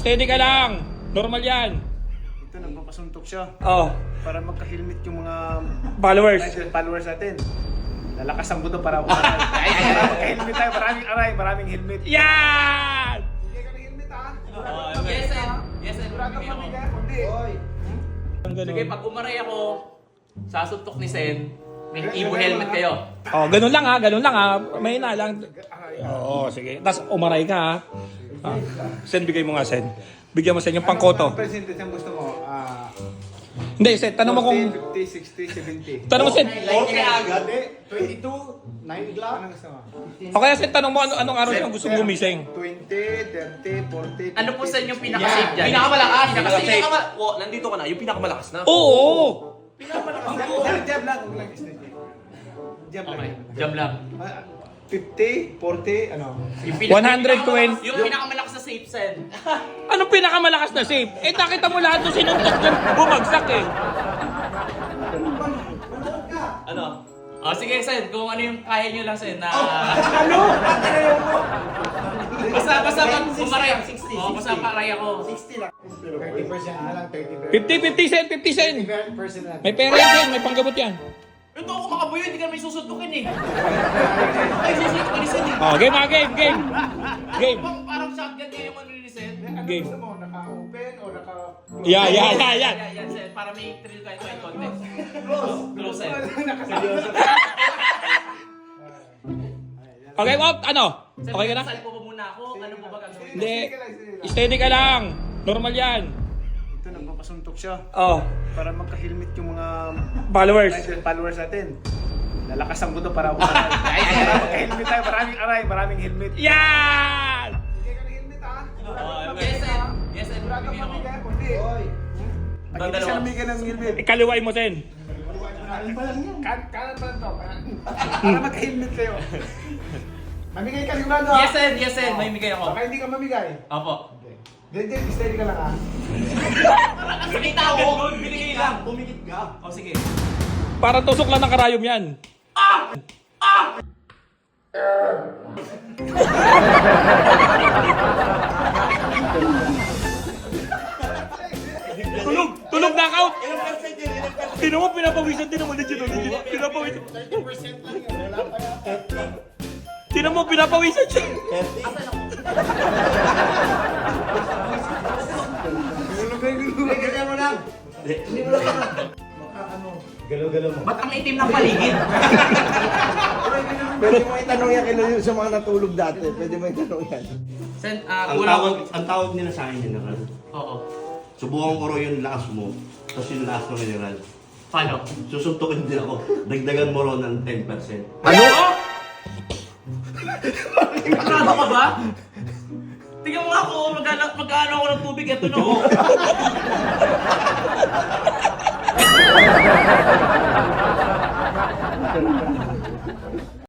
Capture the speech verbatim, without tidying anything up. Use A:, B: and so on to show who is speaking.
A: Steady ka lang. Normal yan.
B: Ito, nagpapasuntok siya.
A: Oh,
B: Para magka-helmet yung mga
A: followers.
B: followers natin. Lalakas ang buto para umaral. Ay, ay, ay, magka-helmet tayo. Maraming aray, maraming helmet.
A: Yan!
B: Bigay ka ng helmet ha?
C: Yes, sir. Yes, sir.
B: Sigurado ka bigay? Hindi.
A: Ang ganun.
C: Sige, pag umaray ako, sasuntok ni Sen, may Evo helmet kayo.
A: Oh, ganun lang ha, ganun lang ha. May na lang. Oo, sige. Tapos umaray ka ha. Ah, Sen, bigay mo nga, Sen. Bigyan mo, Sen, yung pangkoto.
B: Anong percentage ang gusto mo? Ah,
A: Hindi, Sen, tanong mo kung...
B: fifty, sixty, seventy.
A: Tanong mo, Sen.
B: Okay agad eh. twenty-two, nine o'clock. Anong gusto mo?
A: O kaya, Sen, tanong mo ano, anong araw yung gusto mo gumising.
B: twenty, thirty, forty,
C: Ano po Sen yung pinaka-safe dyan?
D: Pinakamalakas.
C: Pinaka-safe.
D: Pinaka oh, nandito ka na. Yung pinakamalakas na.
A: Oo!
B: Jab lang, huwag lang isn't it? Jab
C: Okay,
B: lang.
C: jam lang.
B: Ah, fifty, forty, ano?
C: Yung
A: one hundred twenty.
C: Yung pinakamalakas na safe, Sen.
A: Anong pinakamalakas na safe? Eh, nakita mo lahat ng sinuntok dyan, bumagsak eh.
D: Ano?
C: O sige, Sen, kung ano yung kaya nyo lang, Sen, na...
B: Ano?
C: Basta, basta pag umaray. O, basta paray ako.
B: thirty percent na lang, thirty percent.
A: fifty, fifty Sen, fifty Sen.
B: thirty percent na lang.
A: May pera yan, Sen, may panggamot yan.
C: Ito ako makabuyo, hindi ka may susuntukin eh. Ay, susuntukin ni Sen eh.
A: Oh, game ha, game, game. Game.
C: Parang, parang shotgun kayo yung ano ni Sen.
B: Ano
A: Game.
B: gusto mo? Naka-open o naka...
A: Yeah, yeah, yeah, yeah.
C: Yan, yan, Sen. Para may thrill kayo kahit konti. Close, Sen.
B: Nakaseryoso.
A: Okay, Walt, ano?
C: Sen,
A: Okay ka na?
C: sal po ba muna ako? Ano po ba gagawin?
A: Hindi. Steady ka lang. Normal yan.
B: Ito, nagpapasuntok siya.
A: Oh,
B: Para magka-helmet yung mga
A: followers.
B: followers natin. Lalakas ang buto para umaral. Ay, ay, ay, magka-helmet tayo. Maraming aray, maraming helmet.
A: Yan!
B: Bigay ka ng helmet ha?
C: Yes, Sen. Yes, Sen.
B: Sigurado
C: Bigyan
B: ka
C: ako.
B: bigay? Hindi. Pag hindi siya namigay ng helmet.
A: Ikaliway mo, Sen.
B: Kan- Kanan pa lang to. kanan. Para magka-helmet kayo. Mamigay ka sigurado ha?
C: Yes, Sen. Yes, Sen. May bigay ako.
B: Baka hindi ka mamigay.
C: Opo.
B: Hindi, steady ka lang ha?
C: Sinita ako.
D: Binigay lang. Pumikit ka.
C: O, sige.
A: Parang tusok lang ng karayom yan. Tulog! Tulog knockout! Tino mo, pinapawisan. Tino mo, legit, legit. Pinapawisan. Tino mo, pinapawisan siya.
B: Bigyan mo lang. Hindi mo lang Galaw-galaw mo.
C: Ba't ang itim ng paligid?
E: Pwede mo itanong yan kay Lolo sa mga natulog dati. Pwede mo itanong yan.
C: Sen, ah,
F: Ang
C: wala
F: tawag,
C: ko.
F: ang tawag nila sa akin general.
C: Oo.
F: Subukan ko raw yung lakas mo, tapos yung lakas ng general.
C: Paano?
F: Susuntukin din ako. Dagdagan mo raw ng ten percent.
C: Ano? Ano ka ba? Tingnan mo ako, mag-ano mag ako ng tubig. Ito na.